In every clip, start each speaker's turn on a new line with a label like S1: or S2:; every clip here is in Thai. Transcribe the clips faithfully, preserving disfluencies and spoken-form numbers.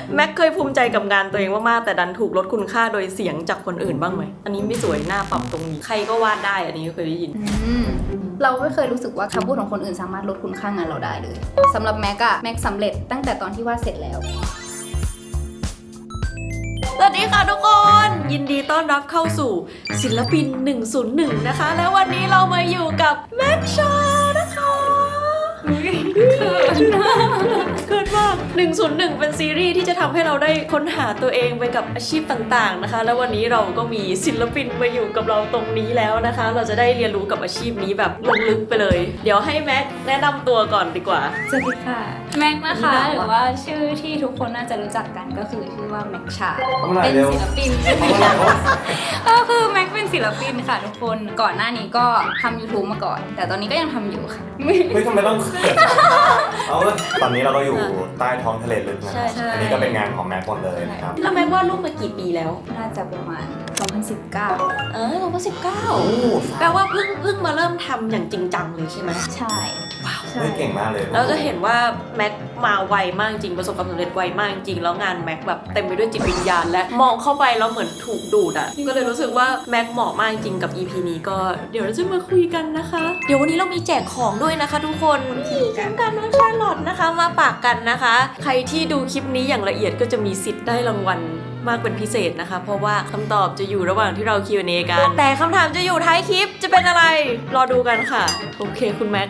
S1: แม็กเคยภูมิใจกับงานตัวเองมากๆแต่ดันถูกลดคุณค่าโดยเสียงจากคนอื่นบ้างไหมอันนี้ไม่สวยหน้าปรับตรงนี้ใครก็วาดได้อันนี้เคยได้ยิน
S2: เราไม่เคยรู้สึกว่าคำพูดของคนอื่นสามารถลดคุณค่างานเราได้เลยสำหรับแม็กอะแม็กสำเร็จตั้งแต่ตอนที่วาดเสร็จแล้ว
S1: สวัสดีค่ะทุกคนยินดีต้อนรับเข้าสู่ศิลปินหนึ่งศูนย์หนึ่งนะคะแล้ววันนี้เรามาอยู่กับแม็กชานะคะเกิดเกิดมากหนึ่งศูนย์หนึ่งเป็นซีรีส์ที่จะทำให้เราได้ค้นหาตัวเองไปกับอาชีพต่างๆนะคะแล้ววันนี้เราก็มีศิลปินมาอยู่กับเราตรงนี้แล้วนะคะเราจะได้เรียนรู้กับอาชีพนี้แบบลงลึกไปเลยเดี๋ยวให้แม็กแนะนำตัวก่อนดีกว่า
S2: สวัสดีค่ะแม็กนะคะหรือว่าชื่อที่ทุกคนน่าจะรู้จักกันก็คือชื่อว่าแม็กชาเป็นศิลปินก็คือแม็กเป็นศิลปินค่ะทุกคนก่อนหน้านี้ก็ทำ YouTube มาก่อนแต่ตอนนี้ก็ยังทำอยู่ค่ะ
S3: ไม่ทำไมต้องเขินเอาตอนนี้เราก็อยู่ใต้ท้องทะเลลึกนะครับอันนี้ก็เป็นงานของแม็กหมดเลยนะครับ
S1: แล้วแม็กวาดรูปมากี่ปีแล้ว
S2: น่าจะประมาณสองพันสิบเก้า
S1: เออสองพันสิบเก้าแปลว่าเพิ่งเพิ่งมาเริ่มทำอย่างจริงจังเลยใช่ไหม
S2: ใช่
S1: ว้าว
S3: เก่งมากเลย
S1: แล้วจะเห็นว่าแม็กมาไวมากจริงประสบความสำเร็จไวมากจริงแล้วงานแม็กแบบเต็มไปด้วยจิตวิญญาณและมองเข้าไปแล้วเหมือนถูกดูดอ่ะก็เลยรู้สึกว่าแม็กเหมาะมากจริงกับ อี พี นี้ก็เดี๋ยวเราจะมาคุยกันนะคะเดี๋ยววันนี้เรามีแจกของด้วยนะคะทุกคนนี่ทำการน้องชาร์ลอตนะคะมาฝากกันนะคะใครที่ดูคลิปนี้อย่างละเอียดก็จะมีสิทธิ์ได้รางวัลมากเป็นพิเศษนะคะเพราะว่าคำตอบจะอยู่ระหว่างที่เรา คิว แอนด์ เอ กันแต่คำถามจะอยู่ท้ายคลิปจะเป็นอะไรรอดูกันค่ะโอเคคุณแม็ก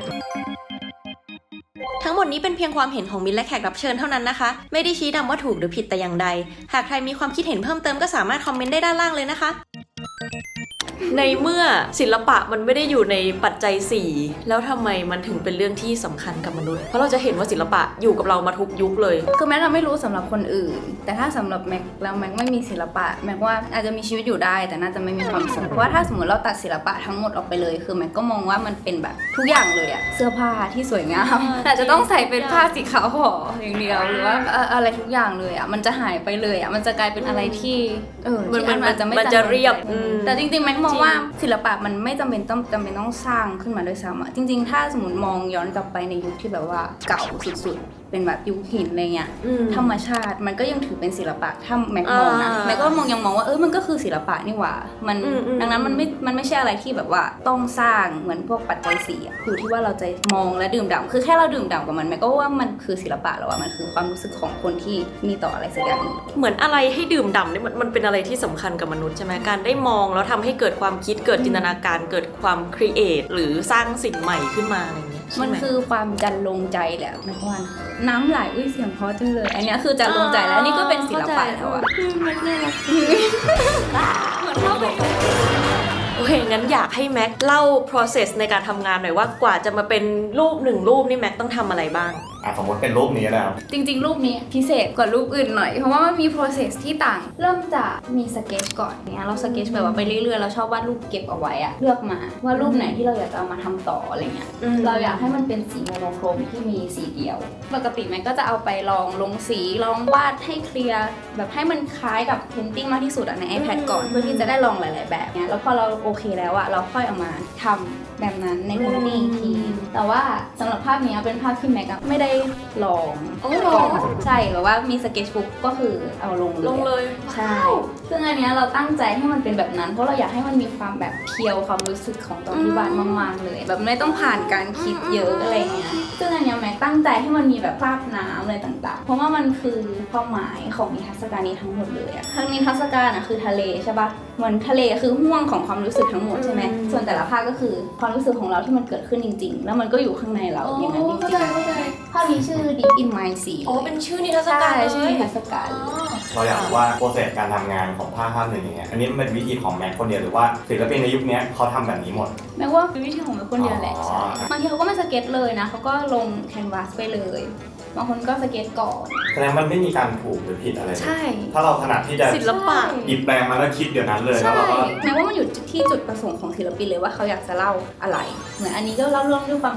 S1: ทั้งหมดนี้เป็นเพียงความเห็นของมิ้นและแขกรับเชิญเท่านั้นนะคะไม่ได้ชี้นำว่าถูกหรือผิดแต่อย่างใดหากใครมีความคิดเห็นเพิ่มเติมก็สามารถคอมเมนต์ได้ด้านล่างเลยนะคะในเมื่อศิลปะมันไม่ได้อยู่ในปัจจัยสี่แล้วทำไมมันถึงเป็นเรื่องที่สำคัญกับมนุษย์เพราะเราจะเห็นว่าศิลปะอยู่กับเรามาทุกยุคเลย
S2: คือแม้เราไม่รู้สำหรับคนอื่นแต่ถ้าสำหรับแม็กแล้วแม็กไม่มีศิลปะแม็กว่าอาจจะมีชีวิตอยู่ได้แต่น่าจะไม่มีความสุขเพราะว่าถ้าสมมติเราตัดศิลปะทั้งหมดออกไปเลยคือแม็กก็มองว่ามันเป็นแบบทุกอย่างเลยอะเสื้อผ้าที่สวยงามแต่จะต้องใส่เป็นผ้าสีขาวห่ออย่างเดียวหรือว่าอะไรทุกอย่างเลยอะมันจะหายไปเลยอะมันจะกลายเป็นอะไรที่เออที่มันจะไม่
S1: จะเรียบ
S2: แต่จริงๆแม็กมองว่าศิลปะมันไม่จำเป็นต้องจำเป็นต้องสร้างขึ้นมาด้วยซ้ำอะจริงๆถ้าสมมติมองย้อนกลับไปในยุคที่แบบว่าเก่าสุดๆเป็นแบบยุคหินอะไรเงี้ยธรรมชาติมันก็ยังถือเป็นศิลปะถ้าแม็กมองนะแม็กก็มองยังมองว่าเออมันก็คือศิลปะนี่หว่ามันดังนั้นมันไม่มันไม่ใช่อะไรที่แบบว่าต้องสร้างเหมือนพวกปัจจัยสี่อยู่ที่ว่าเราจะมองและดื่มด่ำคือแค่เราดื่มด่ำกับมันแม็กก็ว่ามันคือศิลปะแล้วอะมันคือความรู้สึกของคนที่มีต่ออะไรสักอย่าง
S1: เหมือนอะไรให้ดื่มด่ำเนี่ยมันมันเป็นอะไรที่สำคัญกับมนุษย์ใช่ไหมการได้มองแล้วทำให้เกิดความคิดเกิดจินตนาการเกิดความครีเอทหรือสร้างสิ่งใหม่ขึ้นมาอะไรเงี้ย
S2: มันคือความจันลงใจแหละแม็กว่าน้ำไหลอุ้ยเสียงเพราะจังเลยอันนี้คือจันลงใจแล้วนี่ก็เป็นศิลปะแล้วอะ
S1: แม็กน่ารักเหมือนเข้าไปโอเคงั้นอยากให้แม็กเล่า process ในการทำงานหน่อยว่ากว่าจะมาเป็นรูปหนึ่งรูปนี่แม็กต้องทำอะไรบ้าง
S3: อ่ะสมมติเป็นรูปนี้แล้ว
S2: จริงๆรูปนี้พิเศษกว่ารูปอื่นหน่อยเพราะว่ามันมี process ที่ต่างเริ่มจากมีสเก็ตก่อนเนี่ยเราสเก็ตแบบว่าไปเรื่อยๆเราชอบวาดรูปเก็บเอาไว้อะเลือกมาว่ารูปไหนที่เราอยากจะเอามาทำต่ออะไรเงี้ยเราอยากให้มันเป็นสีโมโนโครมที่มีสีเดียวปกติแม็กก็จะเอาไปลองลงสีลองวาดให้เคลียร์แบบให้มันคล้ายกับเพนติ้งมากที่สุดอะใน iPad ก่อนเพื่อที่จะได้ลองหลายๆแบบเนี่ยแล้วพอเราโอเคแล้วอะเราค่อยเอามาทำแบบนั้นในเพนติ้งอีกทีแต่ว่าสำหรับภาพนี้เป็นภาพที่แม็กไม่ได้ลองก่อนใช่แบบว่ามีสเก็ตบุ๊กก็คือเอาลงเลย
S1: ลงเลย
S2: ใช่ซึ่งอันนี้เราตั้งใจให้มันเป็นแบบนั้นเพราะเราอยากให้มันมีความแบบเพียวความรู้สึกของตอนที่วาดมากๆเลยแบบไม่ต้องผ่านการคิดเยอะอะไรเงี้ยซึ่งอันนี้แม็กตั้งใจให้มันมีแบบภาพน้ำอะไรต่างๆเพราะว่ามันคือความหมายของนิทรรศการนี้ทั้งหมดเลยอะทั้งนิทรรศการอะคือทะเลใช่ปะเหมือนทะเลคือห่วงของความรู้สึกทั้งหมดใช่ไหมส่วนแต่ละภาพก็คือความรู้สึกของเราที่มันเกิดขึ้นจริงๆแล้วมันก็อยู่ข้างในเราอย่างนั้นจริงๆภาพนี้ชื่อ Deep in My Sea
S1: อ๋อเป็นชื่อนิทรรศการ
S2: ชื่อนิทรรศการ
S3: เราอยากรู้ว่าโปรเซสการทำงานของภาพภาพหนึ่งอย่างเงี้ยอันนี้เป็นวิธีของแม็กคนเดียวหรือว่าศิลปินในยุคนี้เขาทำแบบนี้หมด
S2: แม้ว่าเป็นวิธีของแม็กคนเดียวแหละบางทีเขาก็ไม่สเก็ตเลยนะเขาก็ลงแคนวาสไปเลยบางคนก็สเก็ตก่อน
S3: แสดงมันไม่มีการถูกหรือผิดอะไร
S2: ใช่
S3: ถ้าเราถนัดที่จะ
S1: ศิลปะ
S3: หยิบแปลงมาแล้วคิดเดี๋ยวนั้นเลยแล้วเราก็
S2: แม้ว่ามันอยู่ที่จุดประสงค์ของศิลปินเลยว่าเขาอยากจะเล่าอะไรเหมือนอันนี้ก็เล่าเรื่องด้วยความรู้สึก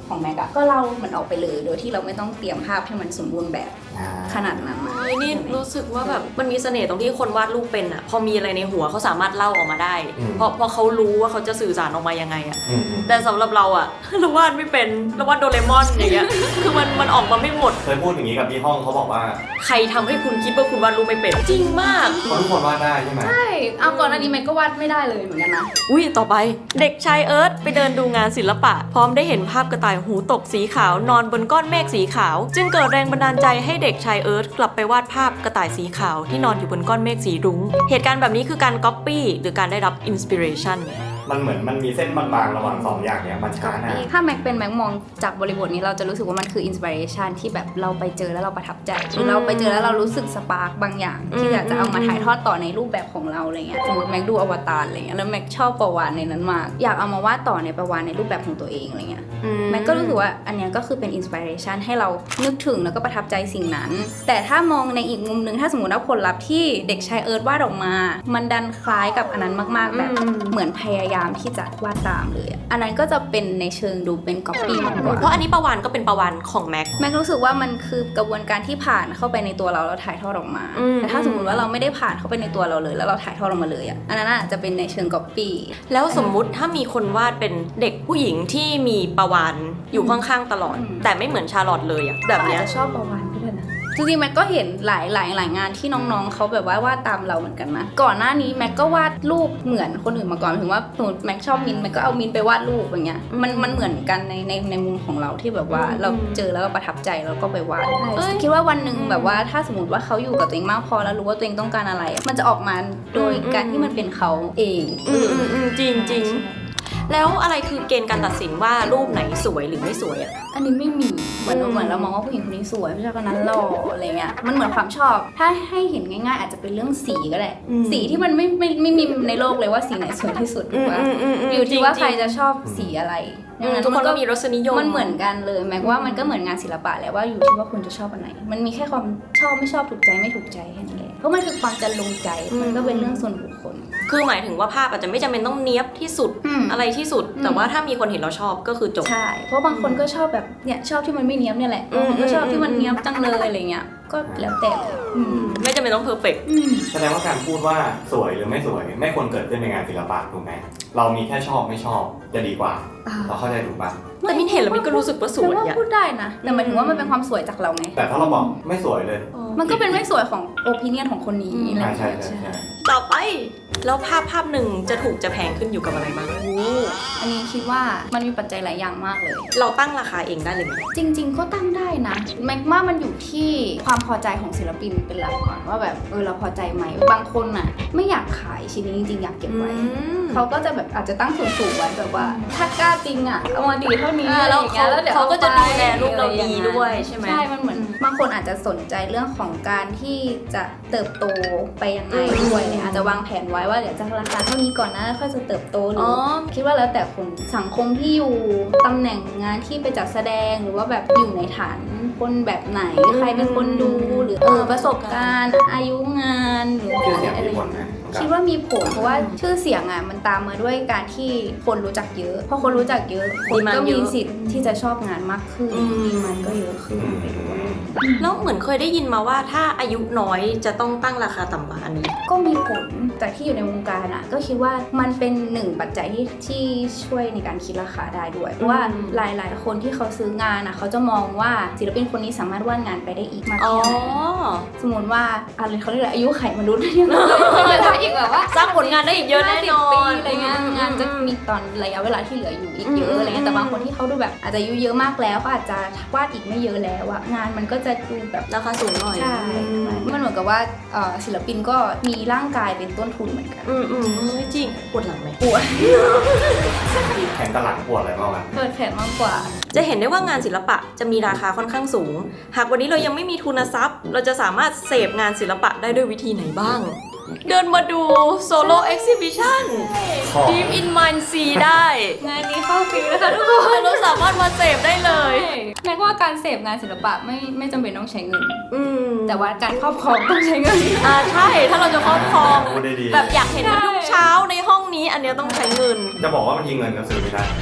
S2: ของแม็กอะก็เล่ามันออกไปเลยโดยที่เราไม่ต้องเตรียมภาพให้มันสมบูรณ์แบบ
S3: อ่า
S2: ขนาดนั้นอะ
S1: เฮ้ยนี่รู้สึกว่าแบบมันมีเสน่ห์ตรงที่คนวาดรูปเป็นอะพอมีอะไรในหัวเขาสามารถเล่าออกมาได้
S3: อืม
S1: เพราะเพราะเขารู้ว่าเขาจะสื่อสารออกมายังไงอะ
S3: อืมอืม
S1: แต่สำหรับเราอะ เราวาดไม่เป็นเราวาดโดเรมอนอย่างเงี้ย คือมันมันออกมาไม่หมด
S3: เคยพูดอย่างนี้กับที่ห้องเขาบอกว่า
S1: ใครทำให้คุณคิดว่าคุณวาดรูปไม่เป็นจริงมาก
S3: เพราะทุกคนวาดได้ใช่ไหม
S2: ใช่เอาก่อนอันนี้แม็กก็วาดไม่ได้เลยเหมือนกันนะ
S1: อุ้ยต่อไปเด็กชายเอิร์ธไปเดินดูงานศิลปะ พร้อมได้เห็นภาพกระต่ายหูตกสีขาวนอนบนก้อนเมฆสีขาว จึงเกิดแรงบันดาลใจให้เด็กชายเอิร์ธกลับไปวาดภาพกระต่ายสีขาวที่นอนอยู่บนก้อนเมฆสีรุ้งเหตุการณ์แบบนี้คือการก๊อปปี้หรือการได้รับอินสปิเรชัน
S3: มันเหมือนมันมีเส้นบางๆระหว่างสองอย่างเนี้ยมันช้านะ
S2: ถ้าแม็กเป็นแม็กมองจากบริบทนี้เราจะรู้สึกว่ามันคืออินสปิเรชันที่แบบเราไปเจอแล้วเราประทับใจหรือเราไปเจอแล้วเรารู้สึกสปาร์กบางอย่าง ที่อยากจะเอามาถ่ายทอดต่อในรูปแบบของเราอะไรเงี้ยสมมติแม็กดูอวตารอะไรเงี้ยแล้วแม็กชอบประวานในนั้นมากอยากเอามาวาดต่อในประวานในรูปแบบของตัวเองอะไรเงี้ยแม็กก็รู้สึกว่าอันเนี้ยก็คือเป็นอินสปิเรชันให้เรานึกถึงแล้วก็ประทับใจสิ่งนั้น แต่ถ้ามองในอีกมุมนึงถ้าสมมติว่าผลลัพธ์ที่เด็กชายเอิร์ธวาดออกมา มันดันคล้ายกับอันนั้นมากๆแบบเหมือนพยายามที่จะวาดตามเลยอะอันนั้นก็จะเป็นในเชิงดูเป็นก๊อปปี้มากกว่า
S1: เพราะอันนี้ประวันก็เป็นประวันของแม็ก
S2: แม็กรู้สึกว่ามันคือกระบวนการที่ผ่านเข้าไปในตัวเราแล้วถ่ายทอดออกมา
S1: อืม
S2: แต่ถ้าสมมติว่าเราไม่ได้ผ่านเข้าไปในตัวเราเลย แล้วเราถ่ายทอดออกมาเลยอ่ะอันนั้นอาจจะเป็นในเชิงก๊อปปี้
S1: แล้วสมมุติถ้ามีคนวาดเป็นเด็กผู้หญิงที่มีประวันอยู่ข้างๆตลอด แต่ไม่เหมือนชาร์ลอตเลยอะแบบเนี้ย
S2: อาจจะชอบประวันก็ได้นะจริงๆแม็กก็เห็นหลายหลายหลายงานที่น้องๆเขาแบบว่าวาดตามเราเหมือนกันนะก่อนหน้านี้แม็กก็วาดรูปเหมือนคนอื่นมาก่อนถึงว่าสมมติแม็กชอบมินแม็กก็เอามินไปวาดรูปอย่างเงี้ยมันมันเหมือนกันในในในมุมของเราที่แบบว่าเราเจอแล้วก็ประทับใจแล้วก็ไปวาดคิดว่าวันหนึ่งแบบว่าถ้าสมมติว่าเขาอยู่กับตัวเองมากพอแล้วรู้ว่าตัวเองต้องการอะไรอะมันจะออกมาโดยการที่มันเป็นเขาเอง
S1: อืมอืมอืมจริงจริงแล้วอะไรคือเกณฑ์การตัดสินว่ารูปไหนสวยหรือไม่สวยอะ
S2: อันนี้ไม่มีเหมือน
S1: อืม
S2: เหมือนเรามองว่าผู้หญิงคนนี้สวยผู้ชายคนนั้นหล่ออะไรเงี้ยมันเหมือนความชอบ ถ้าให้เห็นง่ายๆ อาจจะเป็นเรื่องสีก็ได้สีที่มันไม่ไม่ไม่มีในโลกเลยว่าสีไหนสวยที่สุดถูกปะอยู่ที่ว่าใครจะชอบสีอะไร
S1: อืมทุกคนก็มีรสนิยม
S2: มันเหมือนกันเลยแม้ว่ามันก็เหมือนงานศิลปะแหละว่าอยู่ที่ว่าคุณจะชอบอันไหน มันมีแค่ความชอบไม่ชอบถูกใจไม่ถูกใจแค่นั้นเองเพราะมันคือความจะลงใจมันก็เป็นเรื่องส่วนบุคคล
S1: คือหมายถึงว่าภาพอาจจะไม่จำเป็นต้องเนี้ยบที่สุด
S2: อืม
S1: อะไรที่สุด
S2: อืม
S1: แต่ว่าถ้ามีคนเห็นเราชอบก็คือจบ
S2: ใช่ เพราะบางคนก็ชอบแบบเนี่ยชอบที่มันไม่เนี้ยบเนี่ยแหละบางคนก็ชอบที่มันเนี้ยบจังเลยอะไรเงี้ยก็แล้วแต่เลยอืม
S1: ไม่จำเป็นต้องเพอร์เฟกต์
S2: อืม
S3: แสดงว่าการพูดว่าสวยหรือไม่สวย ไม่ควรเกิดขึ้นในงานศิลปะถูกไหมเรามีแค่ชอบไม่ชอบจะดีกว่า เราเข้าใจถูกปะ
S1: แต่มินเห็นแล้วมินก็รู้สึกว่าสวย
S2: แต่ว่า
S1: อะ
S2: พูดได้นะแต่หมายถึงว่ามันเป็นความสวยจากเราไง
S3: แต่ถ้าเราบอกไม่สวยเลย
S2: มันก็เป็นไม่สวยของโอปิเนียนของคนนี้อะไร
S3: อ่า
S2: อย่าง
S3: ใช่
S2: เงี้ย
S3: ใช่ใช่
S1: ต่อไปแล้วภาพภาพหนึ่งจะถูกจะแพงขึ้นอยู่กับอะไรบ้าง
S2: โอ้อันนี้คิดว่ามันมีปัจจัยหลายอย่างมากเลย
S1: เราตั้งราคาเองได้เลยไหม
S2: จริง ๆ ก็ตั้งได้นะแม็กว่ามันอยู่ที่ความพอใจของศิลปินเป็นหลักก่อนว่าแบบเออเราพอใจไหมบางคนน่ะไม่อยากขายชิ้นนี้จริงๆอยากเก็บไว้ เขาก็จะแบบอาจจะตั้งสูงๆไว้แบบว่า ถ้ากล้าจริงอ่ะเอามาดีเท่านี้
S1: อ่าแล้ว
S2: อะไรอย่างเงี้ยแล้วเดี๋ยว
S1: เขาก็จะดูแล
S2: อไป
S1: รูปเราดี
S2: อะไรองงี้
S1: ด้วยใช่ไหม
S2: ใช่มันเหมือนบางคนอาจจะสนใจเรื่องของการที่จะเติบโตไปยังไงด้วยเนี่ยอาจจะวางแผนไว้ว่าเดี๋ยวจะราคาเท่านี้ก่อนนะแล้วค่อยจะเติบโตหรื
S1: อ๋อ
S2: อคิดว่าแล้วแต่คนสังคมที่อยู่ตำแหน่งงานที่ไปจัดแสดงหรือว่าแบบอยู่ในฐานคนแบบไหนใครเป็นคนดูหรือเออประสบการณ์อายุงานหรือ
S3: ชื่อเสียง
S2: อะไร
S3: มีผลไหม
S2: คิดว่ามีผลเพราะว่าชื่อเสียงอ่ะมันตามมาด้วยการที่คนรู้จักเยอะพอคนรู้จักเยอะคนก็มีสิทธิ์ที่จะชอบงานมากขึ้นดีมันก็เยอะขึ้นไปด้วย
S1: แล้วเหมือนเคยได้ยินมาว่าถ้าอายุน้อยจะต้องตั้งราคาต่ำกว่าอันนี้
S2: ก็มีผลจากที่อยู่ในวงการอ่ะก็คิดว่ามันเป็นหนึ่งปัจจัยที่ที่ช่วยในการคิดราคาได้ด้วยเพราะว่าหลายๆ คนที่เขาซื้องานอ่ะเขาจะมองว่าศิลปินคนนี้สามารถวาดงานไปได้อีกมาก
S1: อ๋อ
S2: แค่ไหนสมมติว่าอะไรเขาเรียกอะไรอายุไขมนุษย์เนี่ยถ้าอีกแบบว่า
S1: สร้างผลงานได้อีกเยอะแน่นอน
S2: ปีอะไรเงี้ยงานจะมีตอนระยะเวลาที่เหลืออยู่อีกเยอะอะไรเงี้ยแต่บางคนที่เขาดูแบบอาจจะอายุเยอะมากแล้วก็อาจจะวาดอีกไม่เยอะแล้วอะงานมันก็จะดูแบบ
S1: ราคาสูงหน่อย
S2: ใช่มันเหมือนกับว่าเอ่อศิลปินก็มีร่างกายเป็นต้นทุนเหมือนกัน
S1: อืมอืมเฮ้ยจริงปวดหลังไหม
S2: ปวด
S3: แขนกับหลังปวดอะไรบ้างกัน
S2: เปิดแขนมากกว่า
S1: จะเห็นได้ว่างานศิลปะจะมีราคาค่อนข้างสูง หากวันนี้เรายังไม่มีทุนทรัพย์ เราจะสามารถเสพงานศิลปะได้ด้วยวิธีไหนบ้าง เดินมาดูโซโล่เอ็กซิบิชัน Deep in Mind Sea ได้
S2: งานนี้เข้าฟรีนะคะทุกคน
S1: เราสามารถมาเสพได้เลย
S2: แม้ว่าการเสพงานศิลปะไม่ไม่จำเป็นต้องใช้เงิน
S1: อืม
S2: แต่ว่าการครอบครองต้องใช้เงิน
S1: อ่าใช่ถ้าเราจะครอบครอง
S3: พูดได้ดี
S1: แบบอยากเห็นมันทุกเช้าในห้องนี้อันเนี้ยต้องใช้เงิน
S3: จะบอกว่าบางทีเงินก็ซื้อไม่ได้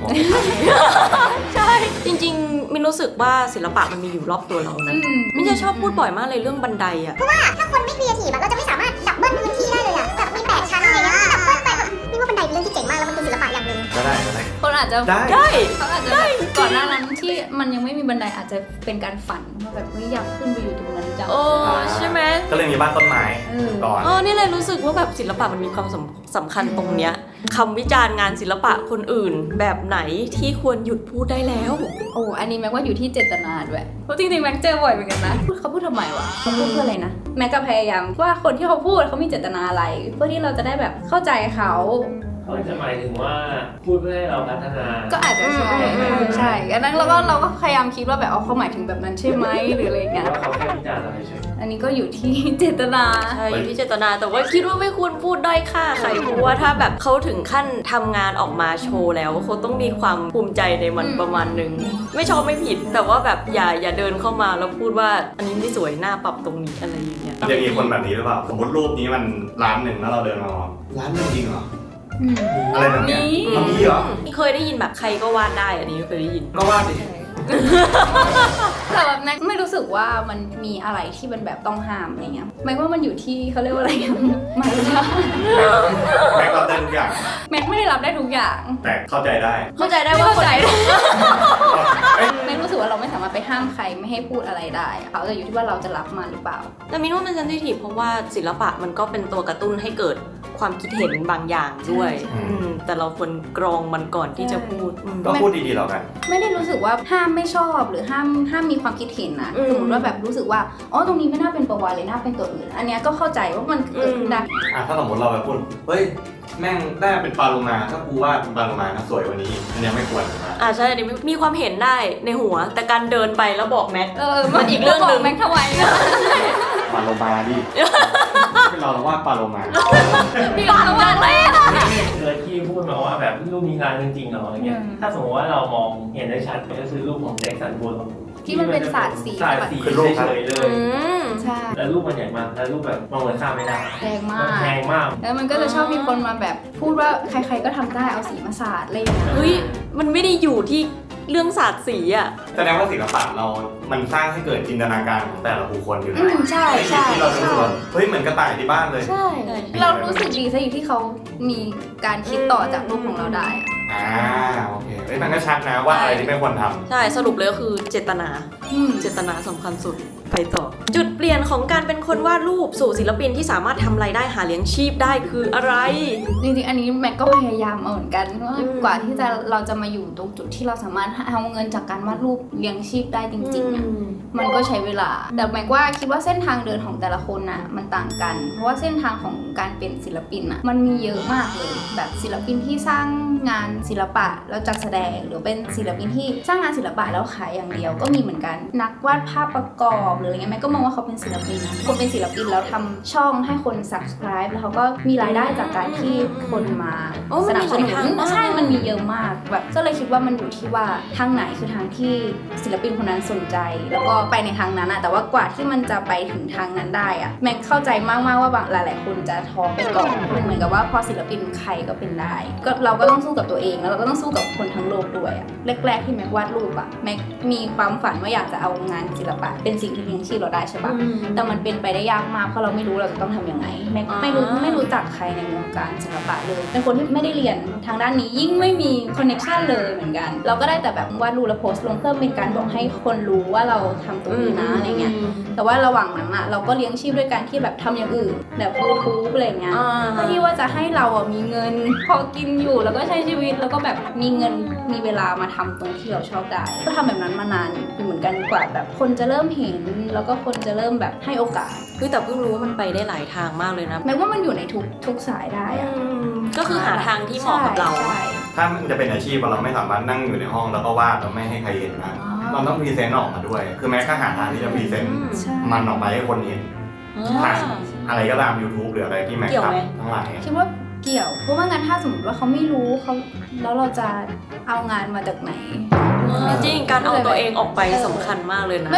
S3: มองไม่ทัน
S1: ใช่จริงๆมินรู้สึกว่าศิลปะมันมีอยู่รอบตัวเรานะ
S2: อืม
S1: มินจะชอบพูดบ่อยมากเลยเรื่องบันไดอะ
S4: ถ้าคนไม่ครีเอทีฟอะเราจะไม่สามารถดับเบิลพื้นที่ได้เลยอะแบบมีแปดชั้นอะไรเงี้ยดับเบิลไปแบบนี่ว่าบันไดเป็นเรื่องที่เจ๋งมากแล้วมันเป็นศิลปะอย่างหนึ่ง
S3: ก็ได้ก็ได้
S2: คนอาจจะ
S3: ได้
S1: ได้
S2: เขาอาจจะแบบก่อนหน้านั้นที่มันยังไม่มีบันไดอาจจะเป็นการฝันว่าแบบไม่อยากขึ้นไปอยู่ตรงนั้นจัง
S1: โอ้ใช่ไหม
S3: ก็เลยมีบ้านต้นไม้
S2: เออ
S3: ก่อน
S1: เออนี่เลยรู้สึกว่าแบบศิลปะมันมีความสำสำคัญตรงเนี้ยคำวิจารณ์งานศิลปะคนอื่นแบบไหนที่ควรหยุดพูดได้แล้ว
S2: โอ้อันนี้แม็กว่าอยู่ที่เจตนาด้วยเพราะจริงๆแม็กเจอบ่อยเหมือนกันนะพูดเขาพูดทำไมวะเขาพูดเพื่ออะไรนะแม็กก็พยายามว่าคนที่เขาพูดเขามีเจตนาอะไร เพื่อที่เราจะได้แบบเข้าใจเขา
S5: เขาจะหมายถึงว่าพูดเพื่อให้เราพัฒนา
S2: ก็อาจจะใช่
S1: อืม
S2: ใช่อันนั้นเราก็เราก็พยายามคิดว่าแบบเอาเขาหมายถึงแบบนั้นใช่ไหมหรืออะไรอย่าง
S5: หรื
S2: เงี้
S5: อย ว่าเขาแค่วิจารณ์เราเฉย
S2: อันนี้ก็อยู่ที่เจตนา
S1: ใช่อยู่ที่เจตนาแต่ว่าคิดว่าไม่ควรพูดด้อยค่าใครเพราะว่าถ้าแบบเขาถึงขั้นทำงานออกมาโชว์แล้วเขาต้องมีความภูมิใจในมัน
S2: อืม
S1: ประมาณนึงไม่ชอบไม่ผิด แต่ว่าแบบอย่าอย่าเดินเข้ามาแล้วพูดว่าอันนี้ไม่สวยหน้าปรับตรงนี้อะไรอย่างเงี้ย
S3: มันจะมีคนแบบนี้หรือเปล่า สมมติรูปนี้มันล้านหนึ่งแล้วเราเดินมามองล้านหนึ่งจริงเหรอ
S2: อืม
S3: อะไรแบบเนี้ย
S2: มี
S3: มันมีเหรอ
S1: เคยได้ยินแบบใครก็วาดได้อันนี้เคยได้ยิน
S3: ก็ว่าดิ
S2: แต่แบบแม็กไม่รู้สึกว่ามันมีอะไรที่มันแบบต้องห้ามอะไรเงี้ยแม็กว่ามันอยู่ที่เขาเรียกว่าอะไรอะมัน
S3: แม็กรับได้ทุกอย่าง
S2: แม็กไม่ได้รับได้ทุกอย่าง
S3: แต่เข้าใจได้
S1: เข้าใจได้ว่าคนไหน
S2: แม็กรู้สึกว่าเราไม่สามารถไปห้ามใครไม่ให้พูดอะไรได้เขาจะอยู่ที่ว่าเราจะรับมันหรือเปล่า
S1: แต่มินว่ามันเซนซิทีฟเพราะว่าศิลปะมันก็เป็นตัวกระตุ้นให้เกิดความคิดเห็นบางอย่างด้วย
S3: ใช่
S1: อืมแต่เราควรกรองมันก่อนที่จะพูดอืม
S3: ก็พูดดีๆแล้วกัน
S2: ไม่ได้รู้สึกว่าห้ามไม่ชอบหรือห้ามห้ามมีความคิดเห็นนะ
S1: อืม
S2: สมมติว่าแบบรู้สึกว่าอ๋อตรงนี้ไม่น่าเป็นประวัติเลยน่าเป็นตัวอื่น อันเนี้ยก็เข้าใจว่ามันเกิดขึ้นได้
S3: อ่ะถ้าสมมติเราไปพูด เฮ้ย แม่งได้เป็นปลาโลมา ถ้ากูว่าเป็นปลาโลมานะสวยกว่านี้ อันเนี้ยไม่ควรนะ
S1: อ่าใช่อันนี้มีความเห็นได้ในหัว แต่การเดินไปแล้วบอกแม็ก
S2: เออมันอีกเรื่องหนึ่งแม็กทำไมนะ
S3: ปลาโลมาดิ เป็นเราเราว่าปลาโลมา
S2: พี่ลองระวังเลย
S5: ๆเคยที่พูดมาว่าแบบรูปมีงานจริงๆเหรออะไรเงี้ย
S2: อืม
S5: ถ้าสมมติว่าเรามองเห็นได้ชัดก็คือรูปของแจ็คสันบูล
S2: ที่มันเป็นศาสตร์สี
S5: ศาสตร์สี
S3: คือรูป
S5: เฉยๆเล
S1: อื
S5: ย
S1: ม
S2: ใช่
S5: แล้วรูปมันใหญ่มากแล้วรูปแบบมองเหมือนข้ามไม่ได้
S2: แรงมา
S5: มัน
S2: ก
S5: แพงมาก
S2: แล้วมันก็จะชอบมีคนมาแบบพูดว่าใครๆก็ทำได้เอาสีมาสาดอะไรอย่างเงี้ย
S1: เฮ้ย มันไม่ได้อยู่ที่เรื่องศาสตร์สีอ่ะ
S3: แสดงว่าศิลปะเรา มันสร้างให้เกิดจินตนาการของแต่ละบุคคลอยู่
S2: อื
S3: แล้ว
S2: มใช่ใช่
S3: ที่เราจะรู้
S2: ใช่
S3: สึกว่าเฮ้ยเหมือนกระต่ายที่บ้านเลย
S2: ใช่ เรารู้สึกดีซะอยู่ที่เขามีการคิดต่อจากรูปของเราได้อะ
S3: อ่าโอเคเฮ้ยมันก็ชัดนะว่าอะไรที่ไม่ควรทำ
S1: ใช่ สรุปเลยก็คือเจตนา
S2: อืม
S1: เจตนาสำคัญสุด ไปต่อ จุดเปลี่ยนของการเป็นคนวาดรูปสู่ศิลปินที่สามารถทำรายได้หาเลี้ยงชีพได้คืออะไร
S2: จริงๆ อันนี้แม็กก็พยายามมาเหมือนกันว่า
S1: อืม
S2: กว่าที่จะเราจะมาอยู่ตรงจุดที่เราสามารถเอาเงินจากการวาดรูปเลี้ยงชีพได้จริงๆอะมันก็ใช้เวลา แต่แม็กว่าคิดว่าเส้นทางเดินของแต่ละคนน่ะมันต่างกัน เพราะว่าเส้นทางของการเป็นศิลปินน่ะมันมีเยอะมากเลย แบบศิลปินที่สร้างงานศิลปะแล้วจัดแสดง หรือเป็นศิลปินที่สร้างงานศิลปะแล้วขายอย่างเดียวก็มีเหมือนกัน นักวาดภาพประกอบหรืออะไรเงี้ยแม็กก็มองว่าเขาเป็นศิลปินนะคนเป็นศิลปินแล้วทำช่องให้คน subscribe แล้วเขาก็มีรายได้จากการที่คนมา
S1: โอ้
S2: ส
S1: มัน
S2: นับ
S1: มี
S2: ส
S1: หลาย
S2: นุ
S1: ทาง
S2: น
S1: มาก
S2: ใช่มันมีเยอะมากแบบก็เลยคิดว่ามันอยู่ที่ว่าทางไหนคือทางที่ศิลปินคนนั้นสนใจ แล้วก็ไปในทางนั้นอะแต่ว่ากว่าที่มันจะไปถึงทางนั้นได้อะแม็กเข้าใจมากๆว่าบางหลายๆคนจะท้อไปก่อนมันเหมือนกับว่าพอศิลปินใครก็เป็นได้ก็เราก็ต้องสู้กับตัวเองแล้วเราก็ต้องสู้กับคนทั้งโลกด้วยอะแรกๆที่แม็กวาดรูปอะแม็กมีความฝันว่าอยากจะเอางานศิลปะเป็นสิ่งที่เลี้ยงชีพเราได้ใช่ปะ แต่มันเป็นไปได้ยากมากเพราะเราไม่รู้เราจะต้องทำยังไงแม็ก
S1: อ่า
S2: ไม่รู้ไม่รู้จักใครในวงการศิลปะเลย เป็นคนที่ไม่ได้เรียนทางด้านนี้ยิ่งไม่มีคอนเนคชันเลยเหมือนกัน เราก็ได้แต่แบบวาดรูปแล้วโพสต์ลงเพื่อเป็นการบอกให้คนรู้ว่าเราทำตรงนี้นะอะไรเงี้ยแต่ว่าระหว่างนั้นอะเราก็เลี้ยงชีพด้วยการที่แบบทำอย่างอื่นแบบยูทูบอะไรเงี้ย
S1: อ่า
S2: เพื่อที่ว่าจะให้เราอ่ะมีเงินพอกินอยู่แล้วก็ใช้ชีวิตแล้วก็แบบมีเงินมีเวลามาทำตรงที่เราชอบได้ ก็ทำแบบนั้นมานานอยู่เหมือนกันกว่าแบบคนจะเริ่มเห็นแล้วก็คนจะเริ่มแบบให้โอกาส
S1: คือแต่เพิ่งรู้ว่ามันไปได้หลายทางมากเลยนะ
S2: แม้ว่ามันอยู่ในทุกทุกสายได้อะ
S1: ก็คือหาทางที่เหมาะกับเรา
S2: ใช่
S3: ถ้ามันจะเป็นอาชีพเราไม่สามารถนั่งอยู่ในห้องแล้วก็วาดแล้วไม่ให้ใครเห็นนะ
S2: อ๋อ
S3: เราต้องพรีเซนต์ออกมาด้วย คือแม้ก็หาทางที่จะพรีเซนต์
S2: ใช่
S3: มันออกไปให้คนเห็น ผ่านอะไรก็ตาม YouTube หรืออะไรที่แม็ก
S1: เกี่ยวไหม
S3: ทำทั้งหลายอะ
S2: คิดว่าเกี่ยว เพราะว่างั้นถ้าสมมติว่าเขาไม่รู้เขาแล้วเราจะเอางานมาจากไหน
S1: จริงการเอาตัวเองออกไปสำคัญมากเลยนะ
S2: ไม่ว่าไม่ว่า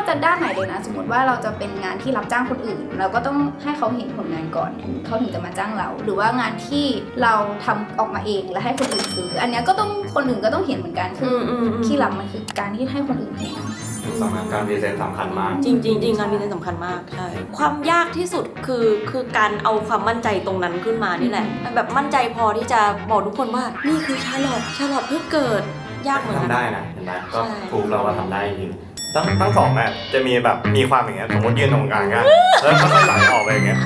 S2: จะด้านไหนเลยนะสมมติว่าเราจะเป็นงานที่รับจ้างคนอื่น เราก็ต้องให้เขาเห็นผลงานก่อนถึงเขาถึงจะมาจ้างเรา หรือว่างานที่เราทำออกมาเองแล้วให้คนอื่นซื้ออันนี้ก็ต้องคนอื่นก็ต้องเห็นเหมือนกันคือที่รับมันคือการที่ให้คนอื่นเห็น
S3: สำหรับการพรีเซนต์สำคัญมาก
S1: จริงจริงจริงการพรีเซนต์สำคัญมากใช่ความยากที่สุดคือคือการเอาความมั่นใจตรงนั้นขึ้นมานี่แหละแบบมั่นใจพอที่จะบอกทุกคนว่านี่คือชาร์ลอตชาร์ลอตเพิ่งเกิดยากเหมือนกัน
S3: ทำได้นะเห็นไหมก็
S1: ใช่
S3: ถูกเราว่าทำได้จริงทั้งทั้งสองอ่ะจะมีแบบมีความอย่างเงี้ยสมมติยืนตรงกลางกันแล้วค่อยๆไหลออกไปอย่างเงี้ย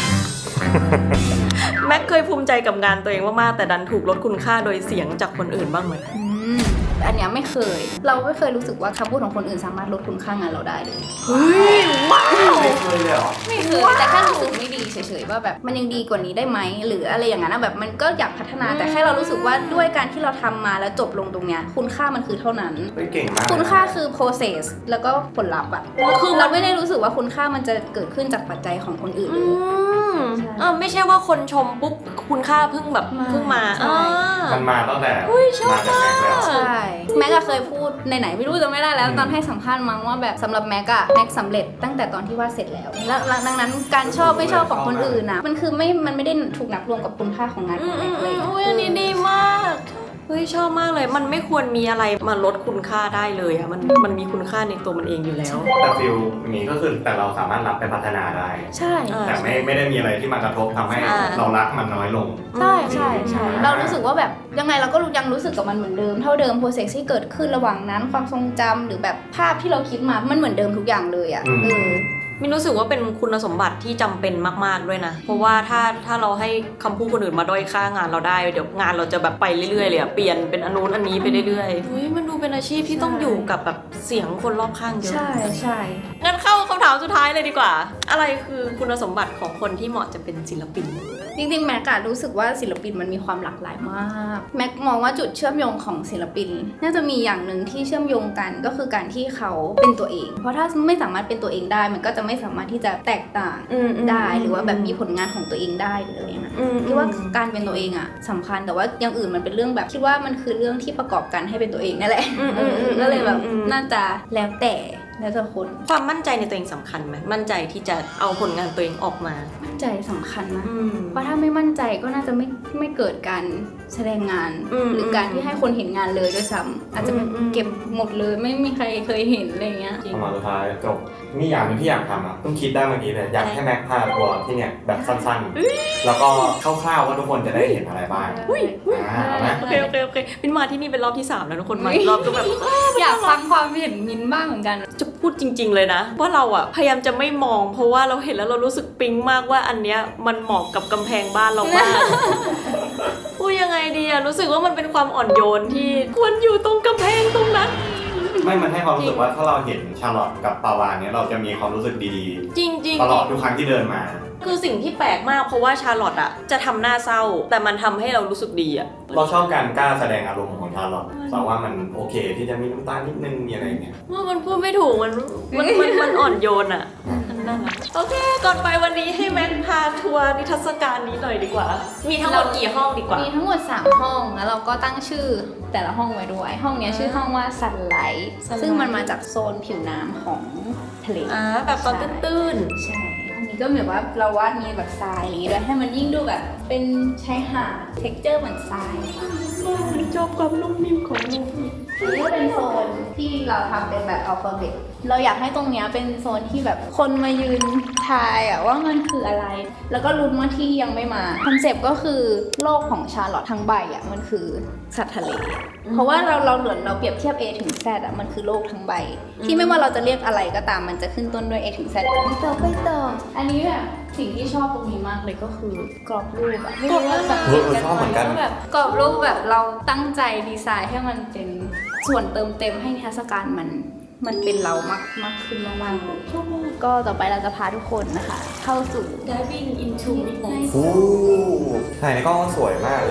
S1: แม็กเคยภูมิใจกับงานตัวเองมากๆแต่ดันถูกลดคุณค่าโดยเสียงจากคนอื่นบ้างไหม
S2: อืมอันเนี้ยไม่เคย เราไม่เคยรู้สึกว่าคำพูดของคนอื่นสามารถลดคุณค่างานเราได้เลย
S1: เฮ้ยว้าว
S3: ไม่เคยเลยเหรอ
S2: ไม่เคยแต่แค่รู้สึกไม่ดีเฉยๆว่าแบบมันยังดีกว่านี้ได้ไหมหรืออะไรอย่างนั้นนะแบบมันก็อยากพัฒนาแต่แค่เรารู้สึกว่าด้วยการที่เราทำมาแล้วจบลงตรงเนี้ยคุณค่ามันคือเท่านั้น
S3: เฮ้ยเก่งมาก
S2: คุณค่าคือ process แล้วก็ผลลัพธ์อะ
S1: คือ
S2: เราไม่ได้รู้สึกว่าคุณค่ามันจะเกิดขึ้นจากปัจจัยของคนอื่น
S1: อื
S2: เลย
S1: มเออไม่ใช่ว่าคนชมปุ๊บคุณค่าเพิ่งแบบ
S2: มา
S1: เพิ่งมา
S2: ใช่
S1: อ่า
S3: มันมาตั้งแต่
S1: อุ้ยชอบ
S3: มาจากแม็กซ์แล้ว
S2: ใช่แม็กอะเคยพูดในไหนไม่รู้จะไม่ได้แล้ว
S3: อืม
S2: ตอนให้สัมภาษณ์มั้งว่าแบบสำหรับแม็กอะแม็กสำเร็จตั้งแต่ตอนที่วาดเสร็จแล้วแล้วแล้วดังนั้นการชอบไม่ชอบของคนอื่นนะมันคือไม่มันไม่ได้ถูกนับรวมกับคุณค่าของงาน
S1: อื
S2: ของ
S1: ม
S2: แม็
S1: อื
S2: ก
S1: ม
S2: เลย
S1: อืมอุ้ยอันนี้ดีมากเฮ้ยชอบมากเลยมันไม่ควรมีอะไรมาลดคุณค่าได้เลยอะมันมันมีคุณค่าในตัวมันเองอยู่แล้ว
S3: แต่ฟิลอย่างนี้ก็คือแต่เราสามารถรับไปพัฒนาได้
S2: ใช่
S1: อ่า
S3: แต่ไม่ไม่ได้มีอะไรที่มากระทบทำให้
S1: อ่า
S3: เรารักมันน้อยลง
S2: ใช่ใช่ใช่
S3: อืม
S2: เรารู้สึกว่าแบบยังไงเราก็ยังรู้สึกกับมันเหมือนเดิมเท่าเดิมโปรเซสที่เกิดขึ้นระหว่างนั้นความทรงจำหรือแบบภาพที่เราคิดมามันเหมือนเดิมทุกอย่างเลยอะ
S3: อืม
S2: เออ
S1: มินรู้สึกว่าเป็นคุณสมบัติที่จำเป็นมากๆด้วยนะเพราะว่าถ้าถ้าเราให้คำพูดคนอื่นมาด้อยค่างานเราได้เดี๋ยวงานเราจะแบบไปเรื่อยๆเลยอะเปลี่ยนเป็นอันนู้นอันนี้ไปเรื่อยๆเฮ้ยมันดูเป็นอาชีพที่ต้องอยู่กับแบบเสียงคนรอบข้างเยอะ
S2: ใช่ใช่
S1: งั้นเข้าคำถามสุดท้ายเลยดีกว่า อะไรคือคุณสมบัติของคนที่เหมาะจะเป็นศิลปิน
S2: จริงๆแม็กอะรู้สึกว่าศิลปินมันมีความหลากหลายมากแม็กมองว่าจุดเชื่อมโยงของศิลปิน น่าจะมีอย่างหนึ่งที่เชื่อมโยงกันก็คือการที่เขาเป็นตัวเอง เพราะถ้าไม่สามารถเป็นตัวเองได้ มันก็จะไม่สามารถที่จะแตกต่าง
S1: อืมอืม
S2: ได้หรือว่าแบบมีผลงานของตัวเองได้หรืออะไรนะ
S1: อืม
S2: คิดว่าการเป็นตัวเองอะสำคัญแต่ว่าอย่างอื่นมันเป็นเรื่องแบบคิดว่ามันคือเรื่องที่ประกอบกันให้เป็นตัวเองนั่นแหละ
S1: อืมอืมอืม
S2: ก็เลยแบบ
S1: อืม
S2: น่าจะแล้วแต่แล้วแต่คน
S1: ความมั่นใจในตัวเองสำคัญไหมมั่นใจที่จะเอาผลงานตัวเองออกมา
S2: มั่นใจสำคัญนะ
S1: อืม
S2: เพราะถ้าไม่มั่นใจก็น่าจะไม่ไม่เกิดการแสดงงาน
S1: อืม
S2: หรือการที่ให้คนเห็นงานเลยด้วยซ้ำอาจจะ
S1: อืมอืม
S2: เก็บหมดเลยไม่มีใครเคยเห็นอะไรเงี้ย
S3: ประมาณสุดท้ายจบมีอย่างหนึงที่อยากทำอ่ะเพิ่งคิดได้เมื่อกี้เลยอยากให้แม็กพาทัวร์ที่เนี่ยแบบสั้นๆ แล้วก็คร่าวๆว่าทุกคนจะได้เห็นอะไรบ้าง
S1: อุ้ยอุ้ย
S3: อ่าเอาไหม
S1: โอเคโอเคโอเคมินมาที่นี่เป็นรอบที่สามแล้วทุกคนมาอีกรอบก็แบบ
S2: อยากฟังความเห็นมินบ้างเหมือนกัน
S1: จะพูดจริง ๆเลยนะว่าเราอะพยายามจะไม่มอง เพราะว่าเราเห็นแล้วเรารู้สึกปิ๊งมากว่าอันเนี้ยมันเหมาะกับกำแพงบ้านเรามาก พูดยังไงดีอะรู้สึกว่ามันเป็นความอ่อนโยนที่ควรอยู่ตรงกำแพงตรงนั้น
S3: ไม่มันให้ความรู้สึกว่าถ้าเราเห็นชาร์ลอตกับปาวานเนี้ยเราจะมีความรู้สึกดี
S1: จริงๆ
S3: ๆ ตลอดทุกครั้งที่เดินมา
S1: คือสิ่งที่แปลกมากเพราะว่าชาร์ลอตอะจะทำหน้าเศร้า แต่มันทำให้เรารู้สึกดีอะ
S3: เราชอบการกล้าแสดงอารมณ์ของชาร์ลอตแต่ว่ามันโอเคที่จะมีน้ำตานิดนึงมีอะไรอย่างเงี้ย
S1: ว่ามันพูดไม่ถูกมันมันมันมันอ่อนโยนอะมันน่ารักโอเค ก่อนไปวันนี้ให้แม็กพาทัวร์นิทรรศการนี้หน่อยดีกว่า มีทั้งหมดกี่ห้องดีกว่า
S2: มีทั้งหมดสามห้องแล้วเราก็ตั้งชื่อแต่ละห้องไว้ด้วย ห้องเนี้ยชื่อห้องว่า Sunlight
S1: Sunlight
S2: ซึ่งมันมาจากโซนผิวน้ำของทะเล
S1: อ่าแบบตอนตื้น
S2: ใช่อันนี้ก็แบบว่าเราวาดมีแบบทรายอะไรอย่างงี้ด้วยให้มันยิ่งดูแบบเป็นชายหาด texture เหมือนทราย
S1: ๆชอบความนุ่มนิ่มของลูก
S2: อันนี้ก็เป็นโซนที่เราทำเป็นแบบอัลฟาเบตเราอยากให้ตรงเนี้ยเป็นโซนที่แบบคนมายืนทายอะว่ามันคืออะไร แล้วก็ลุ้นว่าที่ยังไม่มาคอนเซปต์ก็คือโลกของชาร์ลอตทั้งใบอะมันคือสัตว์ทะเล เพราะว่าเราเราเหลือเราเปรียบเทียบ A ถึง Z อะมันคือโลกทั้งใบ ที่ไม่ว่าเราจะเรียกอะไรก็ตามมันจะขึ้นต้นด้วย A ถึง Z ต่อไปต่ออันนี้แบบสิ่งที่ชอบตรงนี้มากเลยก็คือกรอบรูปอะไม่รู้ว่าสังเกตกันไหมว่าแบบกรอบรูปแบบเราตั้งใจดีไซน์ให้มันเป็นส่วนเติมเต็มให้นิทรรศการมันมันเป็นเรามากมากขึ้นมากๆเลยก็ต่อไปเราจะพาทุกคนนะคะ เข้าสู่
S1: diving into midnight
S3: โอ้ถ่ายในกล้องก็สวยมากเลยอะ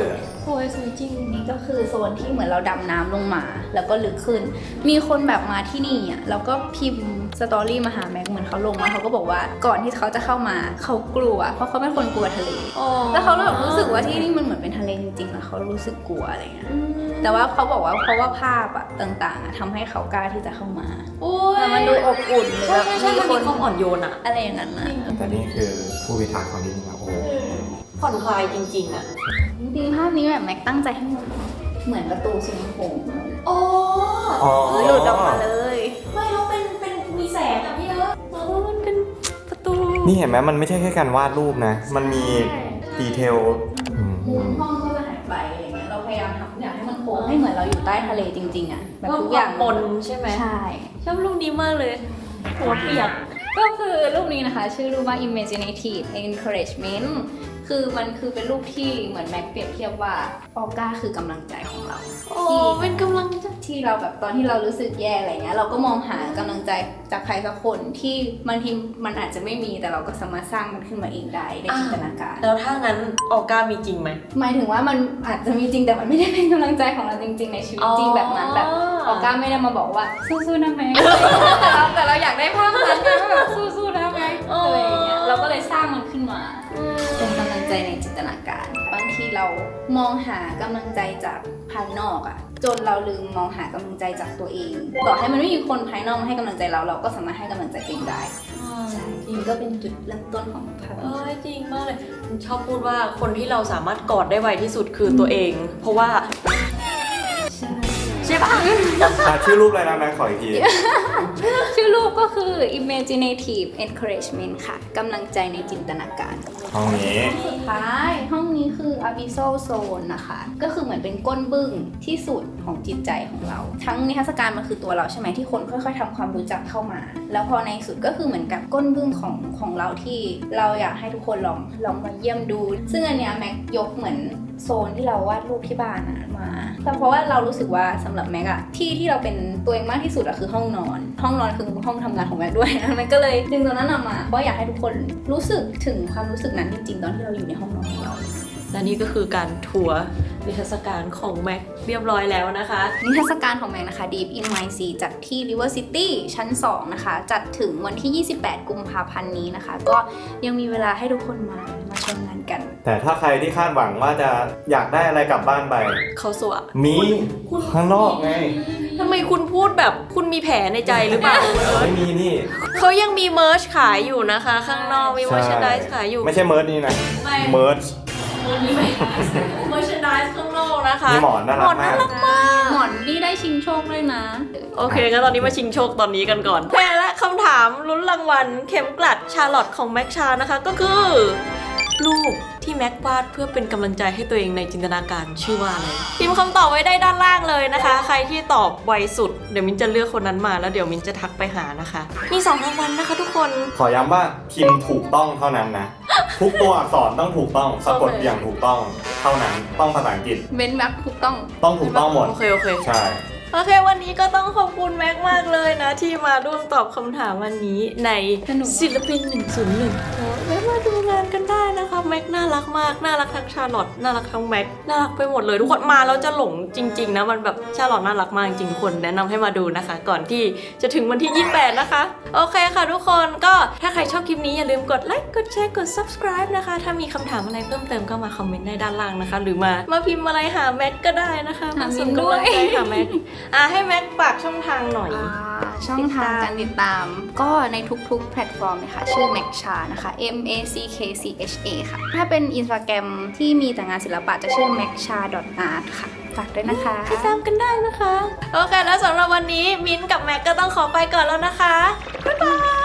S1: สวยสวยจริง
S2: นี่ก็คือโซนที่เหมือนเราดำน้ำลงมา แล้วก็ลึกขึ้น มีคนแบบมาที่นี่อ่ะแล้วก็พิมพ์สตอรี่มาหาแม็กเหมือนเขาลงมาเขาก็บอกว่าก่อนที่เขาจะเข้ามาเขากลัวเพราะเขาเป็นคนกลัวทะเล แล้วเขาแบบรู้สึกว่าที่นี่มันเหมือนเป็นทะเลจริงๆแล้วเขารู้สึกกลัวอะไรเงี้ยแต่ว่าเขาบอกว่าเพราะว่าภาพอะต่างๆอะทำให้เขากล้าที่จะเข้ามา
S1: โอ้ย
S2: แต่มันดูอบอุ่นหรือ
S1: ใช่
S2: แบบ
S1: ใช่ใช่
S2: มี
S1: มัน
S2: ค
S1: มี
S2: น
S1: ความอ่อนโยนอะ
S2: อะไรอย่างนั้นนะ
S3: แต่นี่คือผู้พิทักษ์ของที่นี่นะโอ้โห
S1: ผ่อนคลายจริงๆอะ
S2: จริงๆภาพนี้แบบแม็กตั้งใจให้มันเหมือนประตูสวิมมิ่งพูล
S1: โอ้
S3: อ๋อ
S2: หลุดออกมาเลย
S1: ไม่แล้วเป็นเป็นมีแสงอะพี่เอิร์ธแล้วมันเป็นประตู
S3: นี่เห็นไหมมันไม่ใช่แค่การวาดรูปนะ มันมีดีเทลอืม
S2: มุมห้องก็จะหายไปอะไรเงี้ยเราพยายามทำอย่างให้มันโค้งให้เหมือนเราอยู่ใต้ทะเลจริงๆอะแบบทุกอย่าง
S1: ปนใช่ไหม
S2: ใช่
S1: ชอบรูปนี้มากเลยหัวเปียก
S2: ก็คือรูปนี้นะคะชื่อรูปว่า imaginative encouragement คือมันคือเป็นรูปที่เหมือนแม็กเปรียบเทียบว่าออก้าคือกำลังใจของเรา
S1: โอ้เป็นกำลังใจ
S2: ที่เราแบบตอนที่เรารู้สึกแย่อะไรเงี้ยเราก็มองหากำลังใจจากใครสักคนที่บางทีมันอาจจะไม่มีแต่เราก็สามารถสร้างมันขึ้นมาเองได้ในจินตนาการ
S1: แล้วถ้างั้นออก้ามีจริงไหม
S2: หมายถึงว่ามันอาจจะมีจริงแต่มันไม่ได้เป็นกำลังใจของเราจริงๆในชีวิตจริงแบบนั้นแบบออก้าไม่ได้มาบอกว่าสู้ๆนะแม็ก แต่เราแต่เราอยากได้ภาพนั้นไงว่าแบบสู้ๆนะแม็กอะไรอย่างเงี้ยเราก็เลยสร้างมันขึ้นมาเป็นกำลังใจในจินตนาการบางทีเรามองหากำลังใจจากภายนอกอะจนเราลืมมองหากำลังใจจากตัวเองต่อให้มันไม่มีคนภายนอกมาให้กำลังใจเราเราก็สามารถให้กำลังใจตัวเองได้ใช่นี่ก็เป็นจุดเริ่มต้นของภาพ
S1: เอ้ยจริงมากเลยชอบพูดว่าคนที่เราสามารถกอดได้ไวที่สุดคือตัวเอง เพราะว่า
S2: ใช่
S1: ใช่ปะ
S3: อ่ะชื่อรูปอะไรนะแม็กขออีกที
S2: ชื่อรูปก็คือ imaginative encouragement ค่ะกำลังใจในจินตนาการ
S3: ห้องนี้
S2: สุดท้ายห้องนี้คือ abyssal zone นะคะ ก็คือเหมือนเป็นก้นบึ้งที่สุดของจิตใจของเรา ทั้งนิทรรศการมันคือตัวเราใช่ไหมที่คนค่อยๆทำความรู้จักเข้ามา แล้วพอในสุดก็คือเหมือนกับก้นบึ้งของของเราที่เราอยากให้ทุกคนลองลองมาเยี่ยมดู ซึ่งอันเนี้ยแม็กยกเหมือนโซนที่เราวาดรูปที่บ้านอะมาแต่เพราะว่าเรารู้สึกว่าสำหรับแม็กอะที่ที่เราเป็นตัวเองมากที่สุดอะคือห้องนอน ห้องนอนคือห้องทำงานของแม็กด้วยนะแม็กก็เลยดึงตัวนั้นออกมาเพราะอยากให้ทุกคนรู้สึกถึงความรู้สึกนั้นจริงๆตอนที่เราอยู่ในห้องนอนของเรา
S1: และนี่ก็คือการทัวร์นิทรรศการของแม็กเรียบร้อยแล้วนะคะ
S2: นิทรรศการของแม็กนะคะ Deep in My Sea จัดที่ River City ชั้นสองนะคะ จัดถึงวันที่ ยี่สิบแปด กุมภาพันธ์นี้นะคะ ก็ยังมีเวลาให้ทุกคนมา มาชมงานกัน
S3: แต่ถ้าใครที่คาดหวังว่าจะอยากได้อะไรกลับบ้านไป
S1: เขาสวะ
S3: มีข้างนอกไง
S1: ทำไมคุณพูดแบบคุณมีแผลในใจหรือเปล่า
S3: ไม่มีนี่
S1: เขายังมีเมิร์ชขายอยู่นะคะ ข้างนอกมี
S3: ใช่
S1: เมอร์ชนดิสขายอยู่
S3: ไม่ใช่เมิร์ดนี่นะ
S1: ไม่
S3: เมิร์ด
S1: มีเมอร์ชนดิสข้างนอกนะคะ
S3: มีหมอนน่ารัก
S1: หมอนน่ารักมาก
S2: หมอนนี่ได้ชิงโชคด้วยนะ
S1: โอเคงั้นตอนนี้มาชิงโชคตอนนี้กันก่อนแพ้และคำถามลุ้นรางวัลเข็มกลัดชาร์ลอตของแม็กชานะคะก็คือ รูปที่แม็กวาดเพื่อเป็นกำลังใจให้ตัวเองในจินตนาการชื่อว่าอะไรพิมพ์คำตอบไว้ได้ด้านล่างเลยนะคะ ใครที่ตอบไวสุดเดี๋ยวมินจะเลือกคนนั้นมาแล้วเดี๋ยวมินจะทักไปหานะคะ มีสองรางวัลนะคะทุกคน
S3: ขอย้ำว่าพิมพ์ถูกต้องเท่านั้นนะ ทุกตัวอักษรต้องถูกต้องสะกดอย่างถูกต้องเท่านั้นต้องภาษาอังกฤษ
S2: เว้นแบ็คถูกต้อง
S3: ต้องถูกต้องหมด
S1: โอเคโอเค
S3: ใช่
S1: โอเควันนี้ก็ต้องขอบคุณแม็กมากเลยนะ ที่มาร่วมตอบคำถามวันนี้ใน
S2: สนุก
S1: ศิลปินหนึ่งศูนย์หนึ่งแม็กมาดูงานกันได้นะคะแม็กน่ารักมากน่ารักทั้งชาร์ลอตน่ารักทั้งแม็กน่ารักไปหมดเลยทุกคนมาแล้วจะหลงจริงๆนะมันแบบชาร์ลอตน่ารักมากจริงๆทุกคนแนะนำให้มาดูนะคะ ก่อนที่จะถึงวันที่ยี่สิบแปดนะคะโอเคค่ะทุกคนก็ถ้าใครชอบคลิปนี้อย่าลืมกดไลค์กดแชร์กด subscribe นะคะถ้ามีคำถามอะไรเพิ่มเติมก็มาคอมเมนต์ได้ด้านล่างนะคะ หรือมามาพิมพ์อะไรหาแม็กก็ได้นะคะ
S2: หา
S1: มา
S2: มิ
S1: ส่ง
S2: นด้
S1: กำ
S2: ว
S1: ลั
S2: ย
S1: งใจหาแม็กอ่ะให้แม็กฝากช่องทางหน่อย
S2: อ่าช่องทางการติดตามก็ในทุกๆ แพลตฟอร์มเลยค่ะชื่อ Mac Cha นะคะ M A C K C H A ค่ะ ถ้าเป็น Instagram ที่มีแต่งานศิลปะจะชื่อ mac cha dot art ค่ะ ฝากด้วยนะคะ
S1: ติดตามกันได้นะคะ โอเค แล้วสำหรับวันนี้มิ้นท์กับแม็กก็ต้องขอไปก่อนแล้วนะคะ บ๊ายบาย